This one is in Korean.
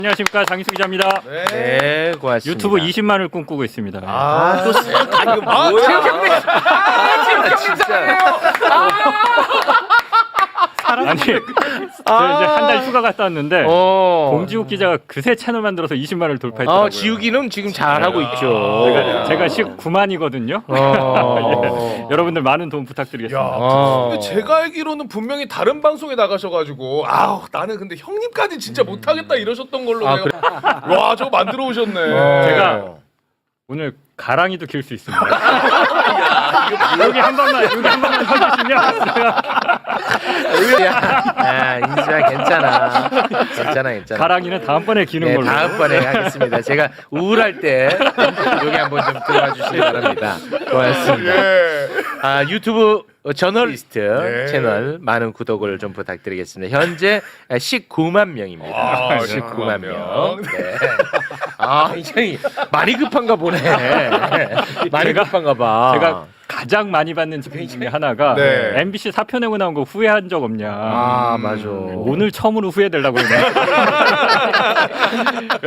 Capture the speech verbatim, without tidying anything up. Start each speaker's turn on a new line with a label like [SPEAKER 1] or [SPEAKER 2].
[SPEAKER 1] 안녕하십니까, 장희수 기자입니다.
[SPEAKER 2] 네,
[SPEAKER 3] 네, 고맙습니다.
[SPEAKER 1] 유튜브 이십만을 꿈꾸고 있습니다.
[SPEAKER 2] 아, 또 세. 아니, 이거
[SPEAKER 3] 아,
[SPEAKER 2] 뭐야?
[SPEAKER 3] 아, 진짜.
[SPEAKER 1] 아니, 저 이제 한 달 휴가 갔다 왔는데
[SPEAKER 3] 어.
[SPEAKER 1] 봉지욱 기자가 그새 채널 만들어서 이십만을 돌파했더라고요.
[SPEAKER 3] 아, 지우기는 지금 잘하고 있죠.
[SPEAKER 1] 제가, 제가 십구만이거든요.
[SPEAKER 3] 어.
[SPEAKER 1] 예. 여러분들 많은 도움 부탁드리겠습니다.
[SPEAKER 2] 야,
[SPEAKER 3] 어.
[SPEAKER 2] 근데 제가 알기로는 분명히 다른 방송에 나가셔가지고 아우 나는 근데 형님까지 진짜 못하겠다 이러셨던 걸로
[SPEAKER 3] 아,
[SPEAKER 2] 내가 와 저거 만들어 오셨네.
[SPEAKER 3] 어.
[SPEAKER 1] 제가 오늘 가랑이도 길 수 있습니다. 여기 한 번만, 여기 한 번만 서주시면
[SPEAKER 3] 야, 인수야 괜찮아. 괜찮아, 괜찮아.
[SPEAKER 1] 가랑이는 다음번에 기는
[SPEAKER 3] 네,
[SPEAKER 1] 걸로.
[SPEAKER 3] 다음번에 하겠습니다. 제가 우울할 때 여기 한번 좀 들어와 주시기 바랍니다. 고맙습니다.
[SPEAKER 2] 예.
[SPEAKER 3] 아, 유튜브 저널리스트
[SPEAKER 2] 네.
[SPEAKER 3] 채널 많은 구독을 좀 부탁드리겠습니다. 현재 십구만 명입니다.
[SPEAKER 2] 아,
[SPEAKER 3] 십구만 명.
[SPEAKER 2] 명.
[SPEAKER 3] 네. 아, 굉장히 많이 급한가 보네. 많이
[SPEAKER 1] 제가-
[SPEAKER 3] 급한가 봐.
[SPEAKER 1] 제가 가장 많이 받는 질문 중에 하나가
[SPEAKER 2] 네.
[SPEAKER 1] 엠비씨 사표 내고 나온 거 후회한 적 없냐.
[SPEAKER 3] 아, 맞아.
[SPEAKER 1] 오늘 처음으로 후회되려고 그러네.